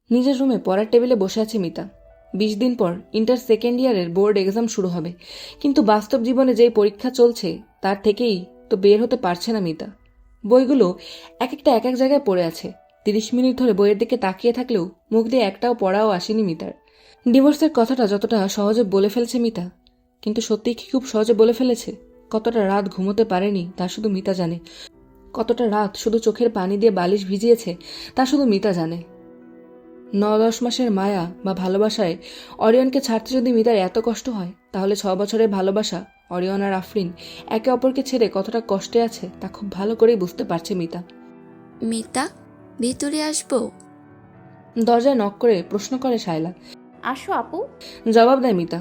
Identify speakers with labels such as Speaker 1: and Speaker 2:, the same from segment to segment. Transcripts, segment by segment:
Speaker 1: নিজের রুমে পড়ার টেবিলে বসে আছে মিতা। 20 দিন পর ইন্টার সেকেন্ড ইয়ারের বোর্ড এক্সাম শুরু হবে, কিন্তু বাস্তব জীবনে যেই পরীক্ষা চলছে তার থেকেই তো বের হতে পারছে না মিতা। বইগুলো এক একটা এক এক জায়গায় পড়ে আছে। 30 মিনিট ধরে বইয়ের দিকে তাকিয়ে থাকলেও মুখ দিয়ে একটাও পড়াও আসেনি মিতার। ডিভোর্সের কথাটা যতটা সহজে বলে ফেলছে মিতা, কিন্তু সত্যিই কি খুব সহজে বলে ফেলেছে? কতটা রাত ঘুমোতে পারেনি তা শুধু মিতা জানে। কতটা রাত শুধু চোখের পানি দিয়ে বালিশ ভিজিয়েছে তা শুধু মিতা জানে। 9-10 মাসের মায়া বা ভালোবাসায় অরিয়নকে ছাড়তে যদি মিতার এত কষ্ট হয়, তাহলে 6 বছরের ভালোবাসা অরিয়ন আর আফরিন একে অপরকে ছেড়ে কতটা কষ্টে আছে তা খুব ভালো করেই বুঝতে পারছে মিতা।
Speaker 2: মিতা, ভিতরে আসবো?
Speaker 1: দরজায় নক করে প্রশ্ন করে শায়লা।
Speaker 3: আসো আপু।
Speaker 1: জবাব দেয় মিতা।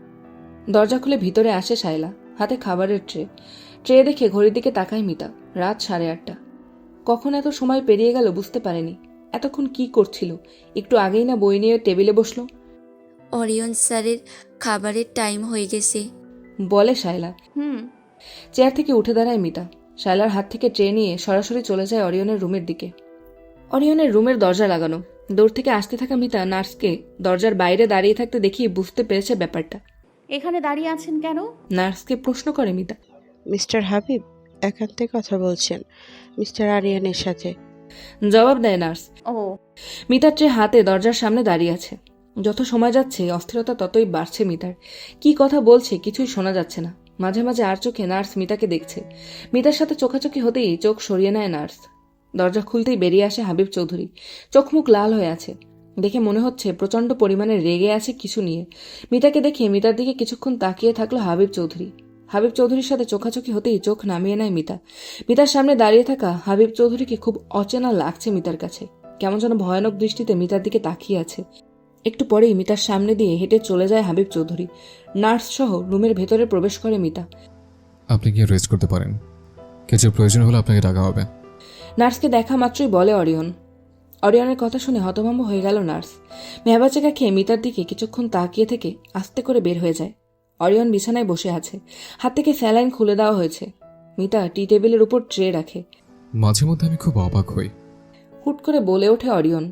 Speaker 1: দরজা খুলে ভিতরে আসে শায়লা, হাতে খাবারের ট্রে দেখে ঘড়ির দিকে তাকায় মিতা। রাত 8:30। কখন এত সময় পেরিয়ে গেল বুঝতে পারেনি। এতক্ষণ কি করছিল? একটু আগেই না বই নিয়ে টেবিলে বসলো।
Speaker 2: অরিয়ন স্যারের খাবারের টাইম হয়ে গেছে।
Speaker 1: বলে শায়লা।
Speaker 3: হুম।
Speaker 1: চেয়ার থেকে উঠে দাঁড়ায় মিতা। শায়লার হাত থেকে ট্রে নিয়ে সরাসরি চলে যায় অরিয়নের রুমের দিকে। অরিয়নের রুমের দরজা লাগানো। দূর থেকে আসতে থাকা মিতা নার্সকে দরজার বাইরে দাঁড়িয়ে থাকতে দেখিয়ে বুঝতে পেরেছে ব্যাপারটা।
Speaker 3: এখানে দাঁড়িয়ে আছেন কেন?
Speaker 1: নার্সকে প্রশ্ন করে মিতা।
Speaker 4: মিস্টার হাবিব একান্তে কথা বলছেন মিস্টার আরিয়ানের সাথে।
Speaker 1: জবাব দেয় নার্স।
Speaker 3: ও।
Speaker 1: মিতার ট্রে হাতে দরজার সামনে দাঁড়িয়ে আছে। যত সময় যাচ্ছে অস্থিরতা ততই বাড়ছে মিতার। কি কথা বলছে কিছুই শোনা যাচ্ছে না। মাঝে মাঝে আর চোখে নার্স মিতাকে দেখছে। মিতার সাথে চোখাচোখি হতেই চোখ সরিয়ে নেয় নার্স। দরজা খুলতেই বেরিয়ে আসে হাবিব চৌধুরী। চোখ মুখ লাল হয়ে আছে। দেখে মনে হচ্ছে প্রচণ্ড পরিমাণে রেগে আছে কিছু নিয়ে। মিতাকে দেখে মিতার দিকে কিছুক্ষণ তাকিয়ে থাকলো হাবিব চৌধুরী। হাবিব চৌধুরীর সাথে চোখাচোখি হতেই চোখ নামিয়ে নেয় মিতা। মিতার সামনে দাঁড়িয়ে থাকা হাবিব চৌধুরীকে খুব অচেনা লাগছে মিতার কাছে। কেমন যেন ভয়ানক দৃষ্টিতে মিতার দিকে তাকিয়ে আছে। একটু পরেই মিতার সামনে দিয়ে হেঁটে চলে যায় হাবিব চৌধুরী। নার্স সহ রুমের ভেতরে প্রবেশ করে মিতা।
Speaker 5: আপনি গিয়ে রেস্ট করতে পারেন, কিছু প্রয়োজন হলে আপনাকে ডাকা হবে।
Speaker 1: নার্সকে দেখা মাত্রই বলে অরিয়ন। অরিয়নের কথা শুনে হতভম্ব হয়ে গেল নার্স। মেহবাচেকা খেয়ে মিতার দিকে কিছুক্ষণ তাকিয়ে থেকে আস্তে করে বের হয়ে যায়। অরিয়ন বিছানায় বসে আছে। হাত থেকে স্যালাইন খুলে দেওয়া হয়েছে। মিতা টি টেবিলের উপর ট্রে রাখে।
Speaker 5: মাঝে মধ্যে আমি খুব অবাক হই।
Speaker 1: হুট করে বলে ওঠে অরিয়ন।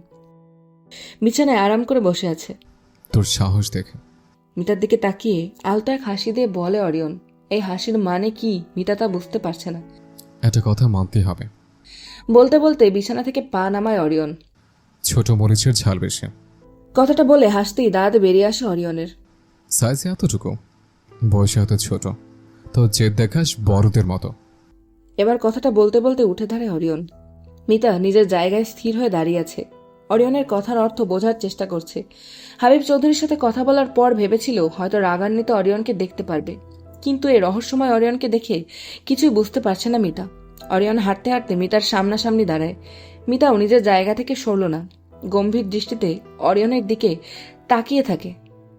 Speaker 1: বিছানায় আরাম করে বসে আছে।
Speaker 5: তোর সাহস দেখে।
Speaker 1: মিতার দিকে তাকিয়ে আলতো এক হাসি দিয়ে বলে অরিয়ন। এই হাসির মানে কি মিতা তা বুঝতে পারছে না।
Speaker 5: একটা কথা মানতেই হবে।
Speaker 1: বলতে বলতে বিছানা থেকে পা নামায় অরিয়ন।
Speaker 5: ছোট মরিচের ঝাল বেশি।
Speaker 1: কথাটা বলে হাসতেই দাঁত বেরিয়ে আসে অরিয়নের।
Speaker 5: সাইজে এতটুকু, বয়সে এত ছোট, তো জেদ দেখাস বড়দের মতো।
Speaker 1: এবার কথাটা বলতে বলতে উঠে দাঁড়ায় অরিয়ন। মিতা নিজের জায়গায় স্থির হয়ে দাঁড়িয়ে আছে। অরিয়নের কথার অর্থ বোঝার চেষ্টা করছে। হাবিব চৌধুরীর সাথে কথা বলার পর ভেবেছিল হয়তো রাগান্বিত অরিয়নকে দেখতে পারবে, কিন্তু এই রহস্যময় অরিয়নকে দেখে কিছুই বুঝতে পারছে না মিতা। অরিয়ন হাঁটতে হাঁটতে মিতার সামনাসামনি দাঁড়ায়। মিতাও নিজের জায়গা থেকে সরল না। গম্ভীর দৃষ্টিতে অরিয়নের দিকে তাকিয়ে থাকে।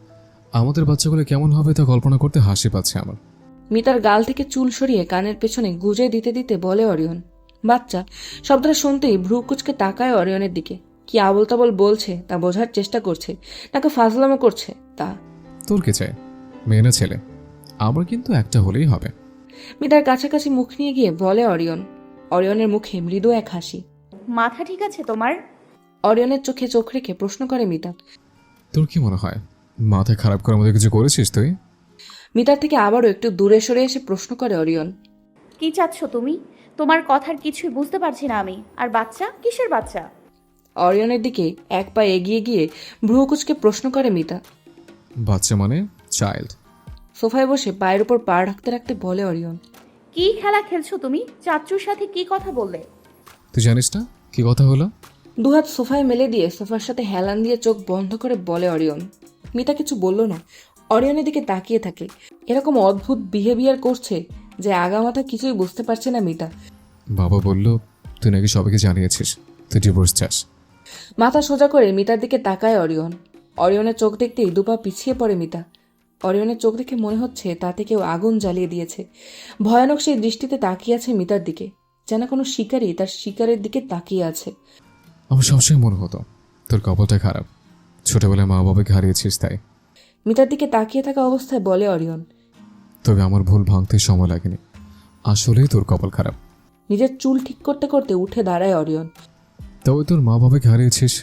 Speaker 5: আমাদের বাচ্চাগুলো কেমন হবে তা কল্পনা করতে হাসি পাচ্ছে আমার।
Speaker 1: মিতার গাল থেকে চুল সরিয়ে কানের পেছনে গুজে দিতে দিতে বলে অরিয়ন। বাচ্চা শব্দটা শুনতেই ভ্রু কুচকে তাকায় অরিয়নের দিকে। কি আবল তাবল বলছে তা বোঝার চেষ্টা করছে, তাকে ফাজলামো করছে তা।
Speaker 5: তোর কে চাই, মেয়ে না ছেলে? আমার কিন্তু একটা হলেই হবে।
Speaker 1: মিতার কাছাকাছি মুখ নিয়ে গিয়ে বলে অরিয়ন। অরিয়নের মুখে মৃদু এক হাসি।
Speaker 3: মাথা ঠিক আছে তোমার?
Speaker 1: অরিয়নের চোখে চোখ রেখে প্রশ্ন করে মিতা।
Speaker 5: তোর কি মনে হয় মাথায় খারাপ করার মতো কিছু করেছিস তুই?
Speaker 1: মিতার থেকে আবারও একটু দূরে সরে এসে প্রশ্ন করে অরিয়ন।
Speaker 3: কি চাচ্ছ তুমি? তোমার কথার কিছুই বুঝতে পারছি না আমি। আর বাচ্চা কিসের বাচ্চা?
Speaker 1: অরিয়নের দিকে এক পা এগিয়ে গিয়ে ভ্রু কুচকে প্রশ্ন করে মিতা।
Speaker 5: বাচ্চা মানে চাইল্ড।
Speaker 1: সোফায় বসে পায়ের উপর পা রাখতে রাখতে বলে অরিয়ন।
Speaker 3: কি খেলা খেলছো তুমি? চাচ্চুর সাথে কি কথা বললে?
Speaker 5: তুই জানিস না কি কথা হলো?
Speaker 1: দুহাত সোফায় মেলে দিয়ে সোফার সাথে হেলান দিয়ে চোখ বন্ধ করে বলে অরিয়ন। মিতা কিছু বলল না। অরিয়নের দিকে তাকিয়ে থাকে। এরকম অদ্ভুত বিহেভিয়ার করছে যে আগামাথা কিছুই বুঝতে পারছে না মিতা।
Speaker 5: বাবা বলল তুই নাকি সবাইকে জানিয়েছিস তুই ডিভোর্স চাস।
Speaker 1: মাথা সোজা করে মিতার দিকে তাকায় অরিয়ন। অরিয়নের চোখ দেখতেই দুপা পিছিয়ে পড়ে মিতা। অরিয়নের চোখ দেখে মনে হচ্ছে তাতে কেউ আগুন জ্বালিয়ে দিয়েছে। ভয়ানক সেই দৃষ্টিতে তাকিয়ে আছে মিতার দিকে, যেন কোনো শিকারী তার শিকারের দিকে তাকিয়ে আছে।
Speaker 5: আমার সবসময় মনে হতো তোর কপালটা খারাপ, ছোটবেলায় মা বাবাকে হারিয়েছিস তাই।
Speaker 1: মিতার দিকে তাকিয়ে থাকা অবস্থায় বলে অরিয়ন।
Speaker 5: তবে আমার ভুল ভাঙতে সময় লাগেনি, আসলেই তোর কপাল খারাপ।
Speaker 1: নিজের চুল ঠিক করতে করতে উঠে দাঁড়ায় অরিয়ন।
Speaker 5: তবে তোর মা বাবাকে হারিয়েছিস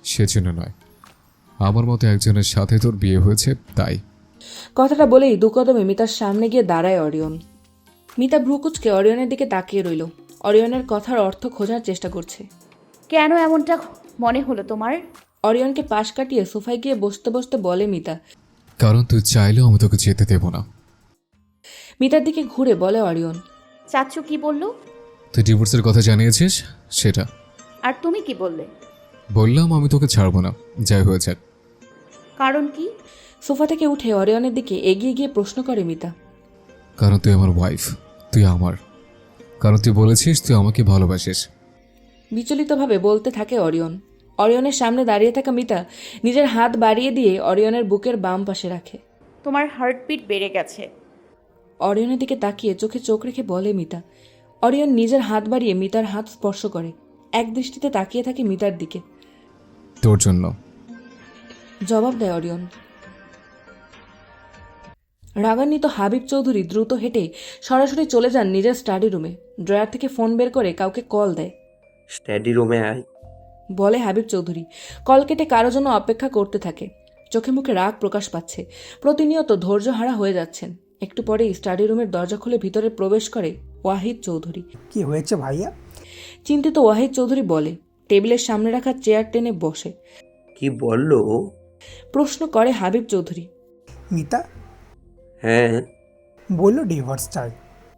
Speaker 5: সেজন্য নয়, আমার মতো একজনের সাথে তোর বিয়ে হয়েছে তাই।
Speaker 1: কথাটা বলেই দু কদমে মিতার সামনে গিয়ে দাঁড়ায় অরিয়ন। মিতা ভ্রুকুচকে অরিয়নের দিকে তাকিয়ে রইল। অরিয়নের কথার অর্থ খোঁজার চেষ্টা করছে।
Speaker 3: কেন এমনটা মনে হলো তোমার?
Speaker 1: অরিয়নকে পাশ কাটিয়ে সোফায় গিয়ে বসতে বসতে বলে মিতা।
Speaker 5: কারণ তুই চাইলেও আমি তোকে যেতে দেব না।
Speaker 1: মিতার দিকে ঘুরে বলে অরিয়ন।
Speaker 3: চাচ্চু কি বললো?
Speaker 5: তুই ডিভোর্সের কথা জানিয়েছিস সেটা।
Speaker 3: আর তুমি কি বললে?
Speaker 5: বললাম আমি তোকে ছাড়বো না, যাই হয়ে যাক।
Speaker 3: কারণ কি?
Speaker 1: সোফা থেকে উঠে অরিয়নের দিকে এগিয়ে গিয়ে প্রশ্ন করে মিতা।
Speaker 5: কারণ তুই আমার ওয়াইফ, তুই আমার। কারণ তুই বলেছিস তুই আমাকে ভালোবাসিস।
Speaker 1: বিচলিতভাবে বলতে থাকে অরিয়ন। অরিয়নের সামনে দাঁড়িয়ে থাকা মিতা নিজের হাত বাড়িয়ে দিয়ে অরিয়নের বুকের বাম পাশে রাখে।
Speaker 3: তোমার হার্টবিট বেড়ে গেছে।
Speaker 1: অরিয়নের দিকে তাকিয়ে চোখে চোখ রেখে বলে মিতা। অরিয়ন নিজের হাত বাড়িয়ে মিতার হাত স্পর্শ করে, এক দৃষ্টিতে তাকিয়ে থাকে মিতার দিকে।
Speaker 5: তোর জন্য।
Speaker 1: জবাব দেয় অরিয়ন। রাগান্বিত হাবিব চৌধুরী দ্রুত হেঁটে সরাসরি চলে যান নিজের স্টাডি রুমে। ড্রয়ার থেকে ফোন বের করে কাউকে কল দেয়।
Speaker 6: স্টাডি রুমে আয়।
Speaker 1: বলে হাবিব চৌধুরী। কল কেটে কারো জন্য অপেক্ষা করতে থাকে। চোখে মুখে রাগ প্রকাশ পাচ্ছে। প্রতিনিয়ত ধৈর্যহারা হয়ে যাচ্ছেন। একটু পরেই স্টাডি রুমের দরজা খুলে ভিতরে প্রবেশ করে ওয়াহিদ চৌধুরী।
Speaker 7: কি হয়েছে ভাইয়া?
Speaker 1: চিন্তিত ওয়াহিদ চৌধুরী বলে, টেবিলের সামনে রাখা চেয়ার টেনে বসে।
Speaker 6: কি বললো?
Speaker 1: প্রশ্ন করে হাবিব চৌধুরী।
Speaker 7: মিতা
Speaker 6: হ্যাঁ।
Speaker 7: বললো ডিভোর্স চাই।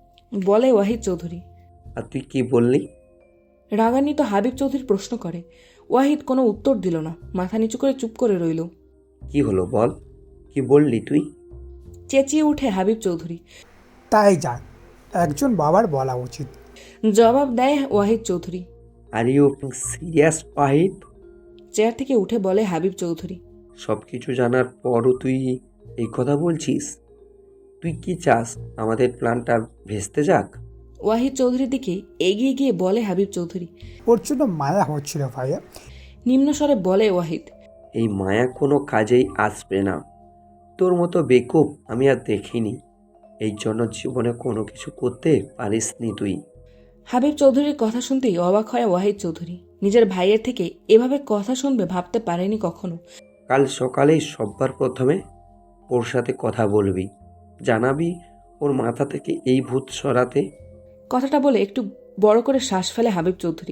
Speaker 1: বলে ওয়াহিদ চৌধুরী।
Speaker 6: আর তুই কি বললি?
Speaker 1: রাগান্বিত হাবিব চৌধুরী প্রশ্ন করে। ওয়াহিদ কোনো উত্তর দিল না, মাথা নিচু করে চুপ করে রইল।
Speaker 6: কি হলো বল, কি বললি তুই?
Speaker 1: চেঁচিয়ে উঠে হাবিব চৌধুরী।
Speaker 7: তাই যাক, একজন বাবার বলা উচিত।
Speaker 1: জবাব দেয় Wahid Chowdhury.
Speaker 6: Are you serious Wahid?
Speaker 1: Chair থেকে উঠে বলে হাবিব চৌধুরী।
Speaker 6: সব কিছু জানার পরও তুই এই কথা বলছিস? তুই কি চাস আমাদের প্ল্যানটা ভেস্তে যাক?
Speaker 1: ওয়াহিদ চৌধুরীর দিকে এগিয়ে গিয়ে বলে হাবিব চৌধুরী।
Speaker 7: ওর জন্য মায়া হচ্ছিল ভাইয়া।
Speaker 1: নিম্নস্বরে বলে ওয়াহিদ।
Speaker 6: এই মায়া কোনো কাজেই আসবে না। তোর মতো বেকুব আমি আর দেখিনি। এই জন্য জীবনে কোনো কিছু করতে পারিসনি তুই।
Speaker 1: হাবিব চৌধুরীর কথা শুনতেই অবাক হয় ওয়াহিদ চৌধুরী। নিজের ভাইয়ের থেকে এভাবে কথা শুনবে ভাবতে পারেনি কখনো।
Speaker 6: কাল সকালেই সব্বার প্রথমে ওর সাথে কথা বলবি, জানাবি ওর মাথা থেকে এই ভূত সরাতে।
Speaker 1: কথাটা বলে একটু বড় করে শ্বাস ফেলে হাবিব চৌধুরী।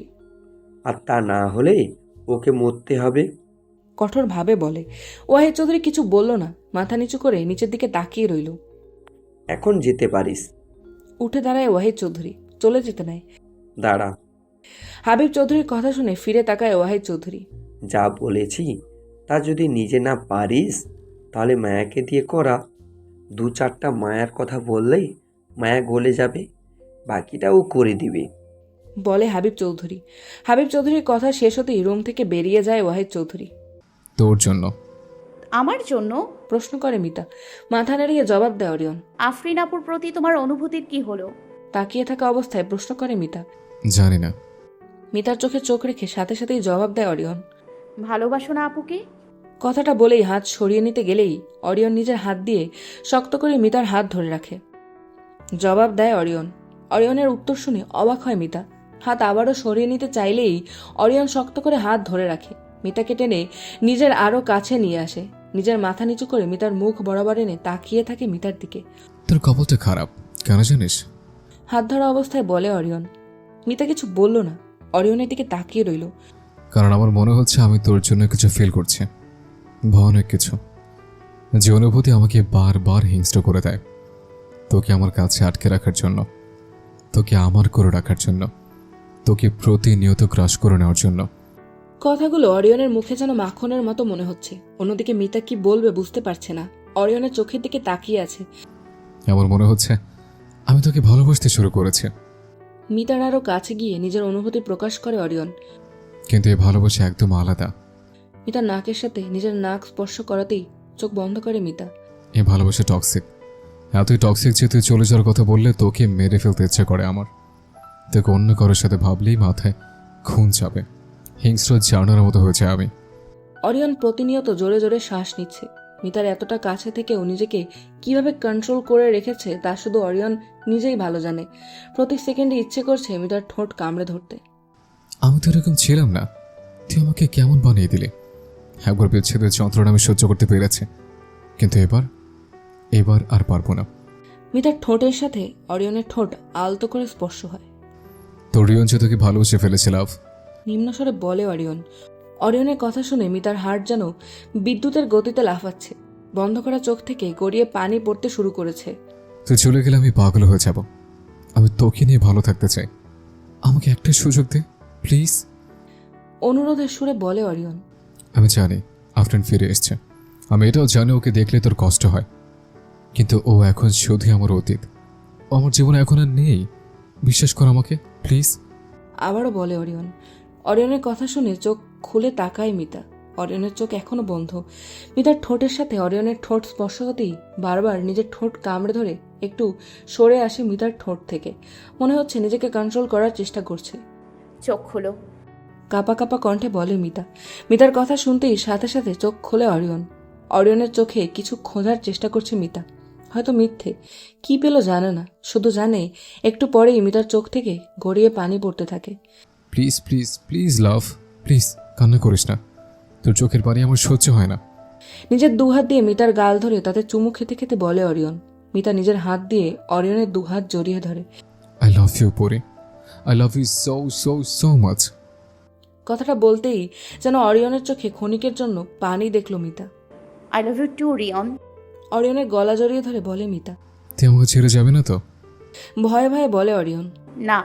Speaker 6: আর তা না হলে ওকে মরতে হবে।
Speaker 1: কঠোরভাবে বলে। ওয়াহিদ চৌধুরী কিছু বলল না, মাথা নিচু করে নিচের দিকে তাকিয়ে রইল।
Speaker 6: এখন যেতে পারিস।
Speaker 1: উঠে দাঁড়ায় ওয়াহিদ চৌধুরী, চলে যেতে নেয়।
Speaker 6: দাঁড়া।
Speaker 1: হাবিব চৌধুরীর কথা শুনে ফিরে তাকায় ওয়াহিদ চৌধুরী।
Speaker 6: যা বলেছি তা যদি নিজে না পারিস তাহলে মায়াকে দিয়ে করা। 2-4টা মায়ার কথা বললেই মায়া গলে যাবে, বাকিটা ও করে দিবে।
Speaker 1: বলে হাবিব চৌধুরী। হাবিব চৌধুরীর কথা শেষ হতেই রুম থেকে বেরিয়ে যায় ওয়াহিদ চৌধুরী।
Speaker 5: তোর জন্য।
Speaker 3: আমার জন্য?
Speaker 1: প্রশ্ন করে মিতা। মাথা নাড়িয়ে জবাব দেয় অরিয়ন।
Speaker 3: আফরিন আপুর প্রতি তোমার অনুভূতির কি হলো?
Speaker 1: তাকিয়ে থাকা অবস্থায় প্রশ্ন করে মিতা।
Speaker 5: জানি না।
Speaker 1: মিতার চোখে চোখ রেখে সাথে সাথেই জবাব দেয় অরিয়ন।
Speaker 3: ভালোবাসো না আপুকে?
Speaker 1: কথাটা বলেই হাত সরিয়ে নিতে গেলেই অরিয়ন নিজের হাত দিয়ে শক্ত করে মিতার হাত ধরে রাখে। জবাব দেয় অরিয়ন। অরিয়নের উত্তর শুনে অবাক হয় মিতা। হাত আবারও সরিয়ে নিতে চাইলেই অরিয়ন শক্ত করে হাত ধরে রাখে। মিতাকে টেনে নিজের আরো কাছে নিয়ে আসে। নিজের মাথা নিচু করে মিতার মুখ বরাবর এনে তাকিয়ে থাকে মিতার দিকে।
Speaker 5: তোর কপালটা খারাপ, কেন জানিস?
Speaker 1: হাত ধরা অবস্থায় বলে অরিয়ন। মিতা কিছু বলল না, অরিয়নের দিকে তাকিয়ে রইল।
Speaker 5: কারণ আমার মনে হচ্ছে আমি তোর জন্য কিছু ফিল করছি, ভয়ানক কিছু, যে অনুভূতি আমাকে বারবার হিংস্র করে দেয়। তোকে আমার কাছে আটকে রাখার জন্য, তোকে আমার করে রাখার জন্য, তোকে প্রতিনিয়ত গ্রাস করে নেওয়ার জন্য।
Speaker 1: কথাগুলো অরিয়নের মুখে যেন মাখনের মতো মনে হচ্ছে। অন্যদিকে মিতা কি বলবে বুঝতে পারছে না, অরিয়নের চোখের দিকে তাকিয়ে আছে।
Speaker 5: আমার মনে হচ্ছে আমি তোকে ভালোবাসতে শুরু করেছি।
Speaker 1: মিতার আরো কাছে গিয়ে নিজের অনুভূতি প্রকাশ করে অরিয়ন।
Speaker 5: কিন্তু এই ভালোবাসা একদম আলাদা।
Speaker 1: মিতার নাকের সাথে নিজের নাক স্পর্শ করাতেই চোখ বন্ধ করে মিতা।
Speaker 5: এই ভালোবাসা টক্সিক, এতই টক্সিক যে তুই চলে যাওয়ার কথা বললে তোকে মেরে ফেলতে ইচ্ছে করে আমার। তোকে অন্য কারোর সাথে ভাবলেই মাথায় খুন চাপে, হিংস্র জানার মতো হয়েছে আমি।
Speaker 1: অরিয়ন প্রতিনিয়ত জোরে জোরে শ্বাস নিচ্ছে। মিতার এতটা কাছে থেকেও নিজেকে কিভাবে কন্ট্রোল করে রেখেছে তা শুধু অরিয়ন নিজেই ভালো জানে। প্রতি সেকেন্ডে ইচ্ছে করছে মিতার ঠোঁট কামড়ে ধরতে।
Speaker 5: আমি তো এরকম ছিলাম না, তুই আমাকে কেমন বানিয়ে দিলি। একবার বিচ্ছেদের যন্ত্রণা আমি সহ্য করতে পেরেছি, কিন্তু এবার আর পারবো না।
Speaker 1: মিতার ঠোঁটের সাথে অরিয়নের ঠোঁট আলতো করে স্পর্শ হয়।
Speaker 5: তোর রিয়ন যে তোকে ভালোবেসে ফেলেছে লাভ।
Speaker 1: নিম্নস্বরে বলে অরিয়ন। অরিয়নের কথা শুনে মিতার হার্ট যেন বিদ্যুতের গতিতে লাফাচ্ছে। বন্ধ করা চোখ থেকে গড়িয়ে পানি পড়তে শুরু করেছে।
Speaker 5: তুই চলে গেলে আমি পাগল হয়ে যাব। আমি তোকে নিয়ে ভালো থাকতে চাই, আমাকে একটা সুযোগ দে প্লিজ।
Speaker 1: অনুরোধের সুরে বলে অরিয়ন।
Speaker 5: আমি জানি আফটার ফিরে এসছে, আমি এটাও জানি ওকে দেখলে তোর কষ্ট হয়, কিন্তু ও এখন শুধুই আমার অতীত। ও আমার জীবনে এখন আর নেই, বিশ্বাস কর আমাকে প্লিজ।
Speaker 1: আবারও বলে অরিয়ন। অরিয়নের কথা শুনে চোখ খুলে তাকায় মিতা। অরিয়নের চোখ এখনো বন্ধ। মিতার ঠোঁটের সাথে অরিয়নের ঠোঁট স্পর্শ হতেই বারবার নিজের ঠোঁট কামড়ে ধরে একটু সরে আসে মিতার ঠোঁট থেকে। মনে হচ্ছে নিজেকে কন্ট্রোল করার চেষ্টা করছে।
Speaker 3: চোখ খুলো।
Speaker 1: কাপা কাপা কণ্ঠে বলে মিতা। মিতার কথা শুনতেই সাথে সাথে চোখ খোলে অরিয়ন। অরিয়নের চোখে কিছু খোঁজার চেষ্টা করছে মিতা, হয়তো মিথ্যে। কি পেল জানে না, শুধু জানে একটু পরেই মিতার চোখ থেকে গড়িয়ে পানি পড়তে থাকে।
Speaker 5: Please please please love, please কান্না করিস না, তোর চোখের পানি আমার সহ্য হয় না।
Speaker 1: নিজের দুহাত দিয়ে মিতার গাল ধরে তাতে চুমু খেতে খেতে বলে অরিয়ন। মিতা নিজের হাত দিয়ে অরিয়নের দুহাত জড়িয়ে ধরে।
Speaker 5: I love you Pori, I love you so so so much.
Speaker 1: কথাটা বলতেই যেন অরিয়নের চোখে ক্ষণিকের জন্য পানি দেখল Mita.
Speaker 3: I love you too Rion.
Speaker 1: অরিয়নের গলা জড়িয়ে ধরে বলে মিতা।
Speaker 5: তুই আমাকে ছেড়ে যাবে না তো?
Speaker 1: ভয়ে ভয়ে বলে অরিয়ন।
Speaker 3: না।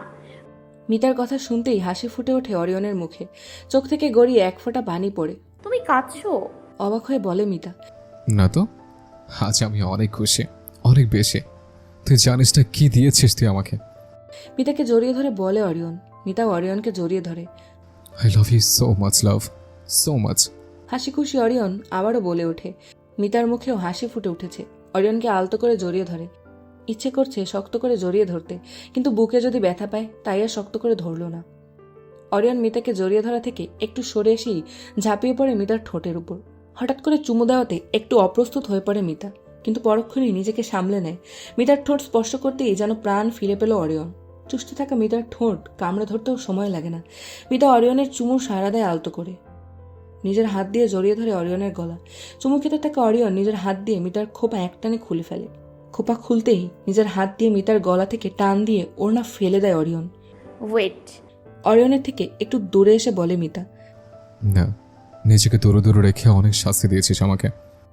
Speaker 1: মিতার কথা শুনতেই হাসি ফুটে ওঠে অরিয়নের মুখে। চোখ থেকে গড়িয়ে এক ফোঁটা পানি পড়ে।
Speaker 3: তুমি কাঁদছো?
Speaker 1: অবাক হয়ে বলে মিতা।
Speaker 5: না তো, আজ আমি অনেক খুশি, অনেক বেশি। তুই জানিস না কি দিয়েছিস তুই আমাকে।
Speaker 1: মিতাকে জড়িয়ে ধরে বলে অরিয়ন। মিতাও অরিয়নকে জড়িয়ে ধরে।
Speaker 5: I love you so much love, so much.
Speaker 1: হাসি খুশি অরিয়ন আবারও বলে ওঠে। মিতার মুখেও হাসি ফুটে উঠেছে। অরিয়নকে আলতো করে জড়িয়ে ধরে। ইচ্ছে করছে শক্ত করে জড়িয়ে ধরতে, কিন্তু বুকে যদি ব্যথা পায় তাই আর শক্ত করে ধরল না। অরিয়ন মিতাকে জড়িয়ে ধরা থেকে একটু সরে এসেই ঝাঁপিয়ে পড়ে মিতার ঠোঁটের উপর। হঠাৎ করে চুমু দেওয়াতে একটু অপ্রস্তুত হয়ে পড়ে মিতা, কিন্তু পরক্ষণেই নিজেকে সামলে নেয়। মিতার ঠোঁট স্পর্শ করতেই যেন প্রাণ ফিরে পেল অরিয়ন। চুষতে থাকা মিতার ঠোঁট কামড়ে ধরতেও সময় লাগে না। মিতা অরিয়নের চুমু সাড়া দেয় আলতো করে। নিজের হাত দিয়ে জড়িয়ে ধরে অরিয়নের গলা। চুমু খেতে থাকা অরিয়ন নিজের হাত দিয়ে মিতার খোপা একটানে খুলে ফেলে। খোপা খুলতেই নিজের হাত দিয়ে মিতার গলা থেকে টান দিয়ে ওড়না ফেলে দেয় অরিয়ন।
Speaker 3: ওয়েট।
Speaker 1: অরিয়নের থেকে একটু দূরে এসে বলে মিতা।
Speaker 5: না, নিজেকে দূরে দূরে রেখে অনেক শাস্তি দিয়েছিস আমাকে।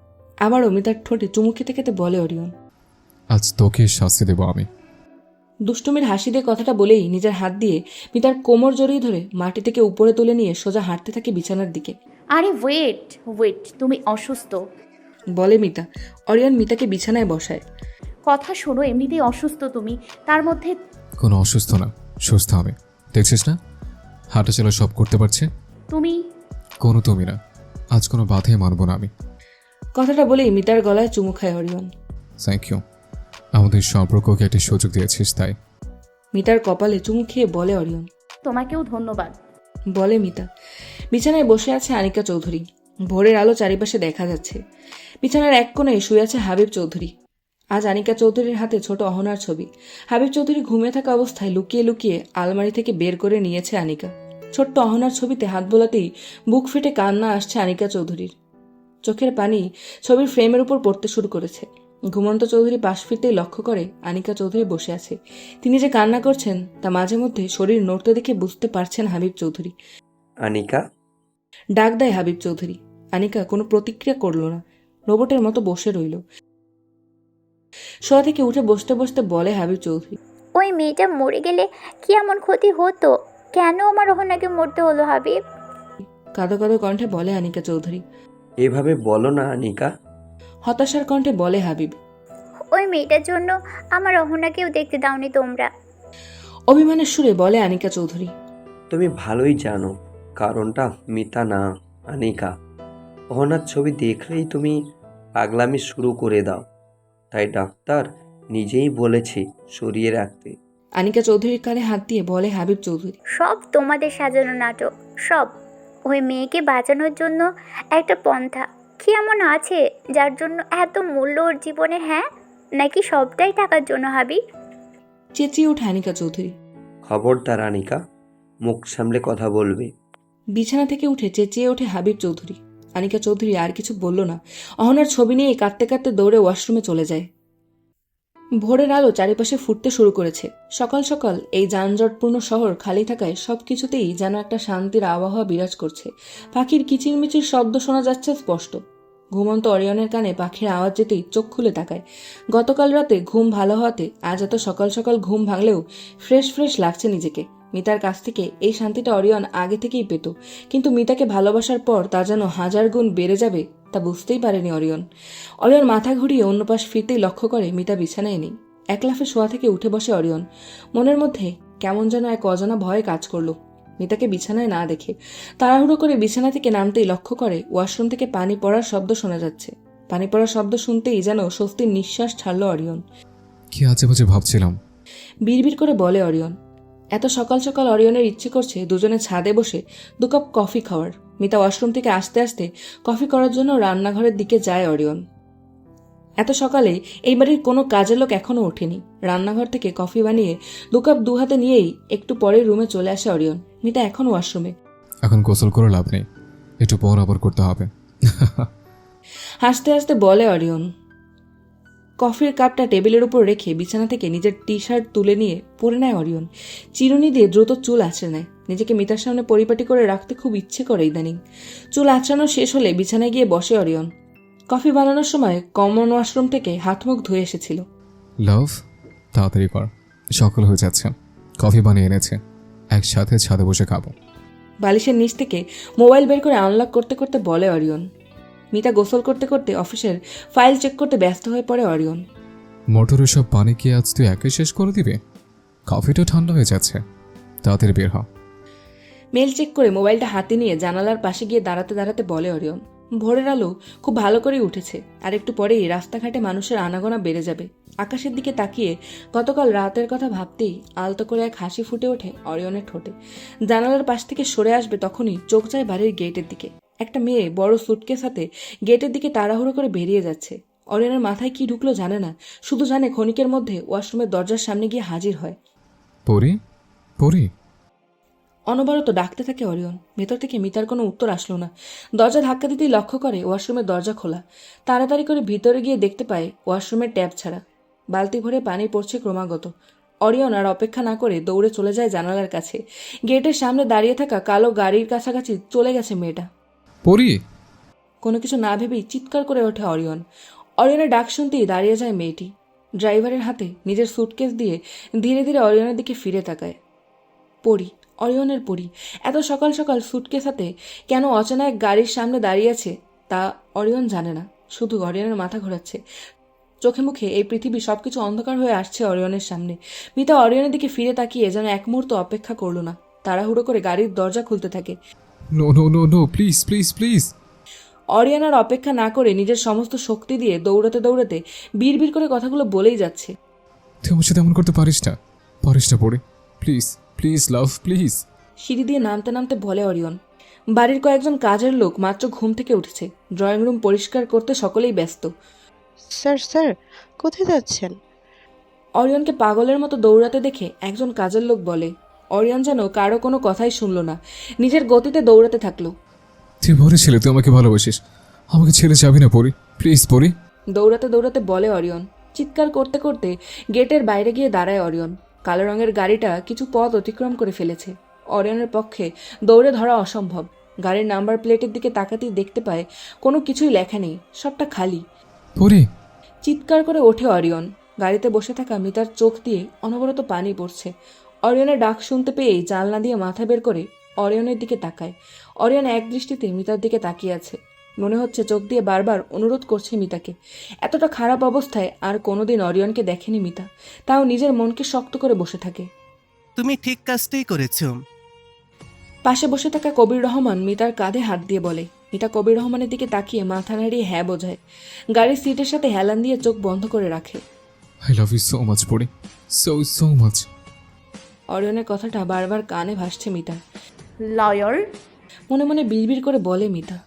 Speaker 1: আবারও মিতার ঠোঁটে চুমু খেতে খেতে বলে অরিয়ন।
Speaker 5: আজ তোকে শাস্তি দেবো আমি।
Speaker 1: দুষ্টুমির হাসি দিয়ে কথাটা বলেই নিজের হাত দিয়ে মিতার কোমর জড়িয়ে ধরে মাটি থেকে উপরে তুলে নিয়ে সোজা হাঁটতে থাকে বিছানার দিকে।
Speaker 3: আরে ওয়েট ওয়েট, তুমি অসুস্থ।
Speaker 1: বলে মিতা। অরিয়ন মিতাকে বিছানায় বসায়।
Speaker 3: কথা শোনো, এমনিতেই অসুস্থ তুমি, তার মধ্যে।
Speaker 5: কোনো অসুস্থ না, সুস্থ আমি। দেখছিস না হাঁটা চলা সব করতে পারছে।
Speaker 3: তুমি।
Speaker 5: কোনো তুমি না, আজ কোনো বাধাই মানব না আমি।
Speaker 1: কথাটা বলেই মিতার গলায় চুমু খায় অরিয়ন।
Speaker 5: থ্যাংক ইউ, আমাদের সম্পর্ককে একটি সুযোগ দিয়েছিস তাই।
Speaker 1: মিতার কপালে চুমু খেয়ে বলে অরিয়ন।
Speaker 3: তোমাকেও ধন্যবাদ।
Speaker 1: বলে মিতা। বিছানায় বসে আছে আনিকা চৌধুরী। ভোরের আলো চারিপাশে দেখা যাচ্ছে। বিছানার এক কোণে শুয়ে আছে হাবিব চৌধুরী। আজ আনিকা চৌধুরীর হাতে ছোট অহনার ছবি। হাবিব চৌধুরী ঘুমিয়ে থাকা অবস্থায় লুকিয়ে লুকিয়ে আলমারি থেকে বের করে নিয়েছে আনিকা। ছোট্ট অহনার ছবিতে হাত বোলাতেই বুক ফেটে কান্না আসছে আনিকা চৌধুরীর। চোখের পানি ছবির ফ্রেমের উপর পড়তে শুরু করেছে। ঘুমন্ত চৌধুরী পাশ ফিরতেই লক্ষ্য করে আনিকা চৌধুরী বসে আছে। তিনি যে কান্না করছেন তা মাঝে মধ্যে শরীর নড়তে দেখে বুঝতে পারছেন হাবিব চৌধুরী।
Speaker 6: আনিকা।
Speaker 1: ডাক দেয় হাবিব চৌধুরী। আনিকা কোনো প্রতিক্রিয়া করল না, রোবটের মতো বসে রইল। শোয়া থেকে উঠে বসতে বসতে বলে হাবিব চৌধুরী।
Speaker 8: ওই মেয়েটা মরে গেলে কি এমন ক্ষতি হতো? কেন আমার ওহনাকে মরতে হলো হাবিব?
Speaker 1: কাঁদো কাঁদো কণ্ঠে বলে আনিকা চৌধুরী।
Speaker 6: এভাবে বলো না আনিকা।
Speaker 1: হতাশার কণ্ঠে বলে হাবিব।
Speaker 8: ওই মেয়েটার জন্য আমার ওহনাকেও দেখতে দাওনি তোমরা।
Speaker 1: অভিমানের সুরে বলে আনিকা চৌধুরী।
Speaker 6: তুমি ভালোই জানো কারণটা মিতা না আনিকা। অহনার ছবি দেখলেই তুমি পাগলামি শুরু করে দাও, তাই ডাক্তার নিজেই বলেছে সরিয়ে রাখতে।
Speaker 1: আনিকা চৌধুরীর কাঁধে হাত দিয়ে বলে হাবিব চৌধুরী।
Speaker 8: সব তোমাদের সাজানো নাটক, সব। ওই মেয়েকে বাঁচানোর জন্য একটা পন্থা কি এমন আছে যার জন্য এত মূল্য ওর জীবনে? হ্যাঁ, নাকি সবটাই টাকার জন্য হাবিব?
Speaker 1: চেঁচিয়ে ওঠে আনিকা চৌধুরী।
Speaker 6: খবরদার আনিকা, মুখ সামলে কথা বলবে।
Speaker 1: বিছানা থেকে উঠে চেঁচিয়ে ওঠে হাবিব চৌধুরী। আনিকা চৌধুরী আর কিছু বলল না। অহনার ছবি নিয়ে কাঁদতে কাঁদতে দৌড়ে ওয়াশরুমে চলে যায়। ভোরের আলো চারিপাশে ফুটতে শুরু করেছে। সকাল সকাল এই যানজটপূর্ণ শহর খালি থাকায় সবকিছুতেই যেন একটা শান্তির আবহাওয়া বিরাজ করছে। পাখির কিচিরমিচির শব্দ শোনা যাচ্ছে স্পষ্ট। ঘুমন্ত অরিয়নের কানে পাখির আওয়াজ যেতেই চোখ খুলে তাকায়। গতকাল রাতে ঘুম ভালো হওয়াতে আজ এত সকাল সকাল ঘুম ভাঙলেও ফ্রেশ ফ্রেশ লাগছে নিজেকে। মিতার কাছ থেকে এই শান্তিটা অরিয়ন আগে থেকেই পেত, কিন্তু মিতাকে ভালোবাসার পর তা যেন 1000 গুণ বেড়ে যাবে তা বুঝতেই পারেনি অরিয়ন। অরিয়ন মাথা ঘুরিয়ে অন্য পাশ ফিরতেই লক্ষ্য করে মিতা বিছানায় নেই। এক লাফে শোয়া থেকে উঠে বসে অরিয়ন। মনের মধ্যে কেমন যেন এক অজানা ভয় কাজ করলো। মিতাকে বিছানায় না দেখে তাড়াহুড়ো করে বিছানা থেকে নামতেই লক্ষ্য করে ওয়াশরুম থেকে পানি পড়ার শব্দ শোনা যাচ্ছে। পানি পড়ার শব্দ শুনতেই যেন স্বস্তির নিঃশ্বাস ছাড়ল অরিয়ন।
Speaker 5: কি আজে বাজে ভাবছিলাম।
Speaker 1: বিড়বিড় করে বলে অরিয়ন। এত সকাল সকাল অরিয়নের ইচ্ছে করছে দুজনে ছাদে বসে 2 কাপ কফি খাওয়ার। মিতা ওয়াশরুম থেকে আসতে আসতে কফি করার জন্য রান্নাঘরের দিকে যায় অরিয়ন। এত সকালে এই বাড়ির কোনো কাজের লোক এখনো ওঠেনি। রান্নাঘর থেকে কফি বানিয়ে 2 কাপ 2 হাতে নিয়েই একটু পরে রুমে চলে আসে অরিয়ন। মিতা এখন ওয়াশরুমে।
Speaker 5: এখন গোসল করে লাভ নেই, একটু পর আবার করতে হবে।
Speaker 1: হাসতে হাসতে বলে অরিয়ন। কফির কাপটা টেবিলের উপর রেখে বিছানা থেকে নিজের টি শার্ট তুলে নিয়ে পরে নেয় অরিয়ন। চিরুনি দিয়ে দ্রুত চুল আঁচড়ে নেয়। নিজেকে মিতার সামনে পরিপাটি করে রাখতে খুব ইচ্ছে করে ইদানিং। চুল আঁচড়ানো শেষ হলে বিছানায় গিয়ে বসে অরিয়ন। কফি বানানোর সময় কমন ওয়াশরুম থেকে হাত মুখ ধুয়ে এসেছিল।
Speaker 5: লাভ, তাড়াতাড়ি কর, সকাল হয়ে যাচ্ছে। কফি বানিয়ে এনেছে, একসাথে ছাদে বসে খাবো।
Speaker 1: বালিশের নিচ থেকে মোবাইল বের করে আনলক করতে করতে বলে অরিয়ন। মিতা গোসল করতে করতে অফিসের ফাইল চেক করতে ব্যস্ত হয়ে পড়ে অরিয়ন।
Speaker 5: মোটরের সব পানি কি আজ তুই একে শেষ করে দিবে? কফিটা ঠান্ডা হয়ে যাচ্ছে, তাড়াতাড়ি বের হ।
Speaker 1: মেল চেক করে মোবাইলটা হাতে নিয়ে জানালার পাশে গিয়ে দাঁড়াতে দাঁড়াতে বলে অরিয়ন। ভোরের আলো খুব ভালো করেই উঠেছে, আর একটু পরেই রাস্তাঘাটে মানুষের আনাগোনা বেড়ে যাবে। আকাশের দিকে তাকিয়ে গতকাল রাতের কথা ভাবতেই আলতো করে এক হাসি ফুটে ওঠে অরিয়নের ঠোঁটে। জানালার পাশ থেকে সরে আসবে তখনই চোখ যায় বাড়ির গেটের দিকে। একটা মেয়ে বড় সুটকেস হাতে গেটের দিকে তাড়াহুড়ো করে বেরিয়ে যাচ্ছে। অরিয়নের মাথায় কি ঢুকলো জানে না, শুধু জানে ক্ষণিকের মধ্যে ওয়াশরুমের দরজার সামনে গিয়ে হাজির হয়।
Speaker 5: পরি, পরি।
Speaker 1: অনবরত ডাকতে থাকে অরিয়ন। ভেতর থেকে মিতার কোনো উত্তর আসলো না। দরজা ধাক্কা দিতেই লক্ষ্য করে ওয়াশরুমের দরজা খোলা। তাড়াতাড়ি করে ভিতরে গিয়ে দেখতে পায় ওয়াশরুমের ট্যাপ ছাড়া। বালতি ভরে পানি পড়ছে ক্রমাগত। অরিয়ন আর অপেক্ষা না করে দৌড়ে চলে যায় জানালার কাছে। গেটের সামনে দাঁড়িয়ে থাকা কালো গাড়ির কাছাকাছি চলে গেছে মেয়েটা।
Speaker 5: পরি।
Speaker 1: কোনো কিছু না ভেবেই চিৎকার করে ওঠে অরিয়ন। অরিয়নের ডাক শুনতেই দাঁড়িয়ে যায় মেয়েটি। ড্রাইভারের হাতে নিজের সুটকেস দিয়ে ধীরে ধীরে অরিয়নের দিকে ফিরে তাকায়। পরি, অরিয়নের পরি এত সকাল সকাল সুটকেস হাতে কেন অচেনা এক গাড়ির সামনে দাঁড়িয়ে আছে তা অরিয়ন জানে না। শুধু অরিয়নের মাথা ঘোরাচ্ছে। চোখে মুখে এই পৃথিবী সবকিছু অন্ধকার হয়ে আসছে অরিয়নের সামনে। মিতা অরিয়নের দিকে ফিরে তাকিয়ে যেন এক মুহূর্ত অপেক্ষা করল না। তাড়াহুড়ো করে গাড়ির দরজা খুলতে থাকে।
Speaker 5: No no no no, please please please.
Speaker 1: Orion আর অপেক্ষা না করে নিজের সমস্ত শক্তি দিয়ে দৌড়াতে দৌড়াতে বিড়বিড় করে কথাগুলো বলেই যাচ্ছে।
Speaker 5: তুই আমার সাথে এমন করতে পারিস না, পারিস না Pori. Please please love, please.
Speaker 1: সিঁড়ি দিয়ে নামতে নামতে বলে অরিয়ন। বাড়ির কয়েকজন কাজের লোক মাত্র ঘুম থেকে উঠেছে। ড্রয়িং রুম পরিষ্কার করতে সকলেই ব্যস্ত।
Speaker 4: স্যার স্যার, কোথায় যাচ্ছেন?
Speaker 1: অরিয়নকে পাগলের মতো দৌড়াতে দেখে একজন কাজের লোক বলে। অরিয়ন যেন কারো কোনো কথাই শুনল না, নিজের গতিতে দৌড়াতে থাকলো।
Speaker 5: তুই বলেছিলি তুই আমাকে ভালোবাসিস, আমাকে ছেড়ে যাবি না পরি, প্লিজ পরি।
Speaker 1: দৌড়াতে দৌড়াতে বলে অরিয়ন। চিৎকার করতে করতে গেটের বাইরে গিয়ে দাঁড়ায় অরিয়ন। কালো রঙের গাড়িটা কিছু পথ অতিক্রম করে ফেলেছে। অরিয়নের পক্ষে দৌড়ে ধরা অসম্ভব। গাড়ির নাম্বার প্লেটের দিকে তাকাতেই দেখতে পায় কোনো কিছুই লেখা নেই, সবটা খালি।
Speaker 5: পরি।
Speaker 1: চিৎকার করে ওঠে অরিয়ন। গাড়িতে বসে থাকা মিতার চোখ দিয়ে অনবরত পানি পড়ছে। অরিয়নের ডাক শুনতে পেয়েই জানলা দিয়ে মাথা বের করে অরিয়নের দিকে তাকায়। অরিয়ন এক দৃষ্টিতে মিতার দিকে তাকিয়ে আছে। মনে হচ্ছে চোখ দিয়ে বারবার অনুরোধ করছে মিতাকে। এতটা খারাপ অবস্থায় আর কোনোদিন অরিয়নকে দেখেনি মিতা, তাও নিজের মনকে শক্ত করে বসে থাকে।
Speaker 9: তুমি ঠিক কাজটাই করেছো।
Speaker 1: পাশে বসে থাকা কবির রহমান মিতার কাঁধে হাত দিয়ে বলে। মিতা কবির রহমানের দিকে তাকিয়ে মাথা নাড়িয়ে হ্যাঁ বোঝায়। গাড়ির সিটের সাথে হেলান দিয়ে চোখ বন্ধ করে রাখে।
Speaker 5: I love you so much Pori, so so much.
Speaker 1: অরিয়নের কথাটা বারবার কানে ভাসছে মিতার।
Speaker 3: লয়ার।
Speaker 1: মনে মনে বিড়বিড় করে বলে মিতা।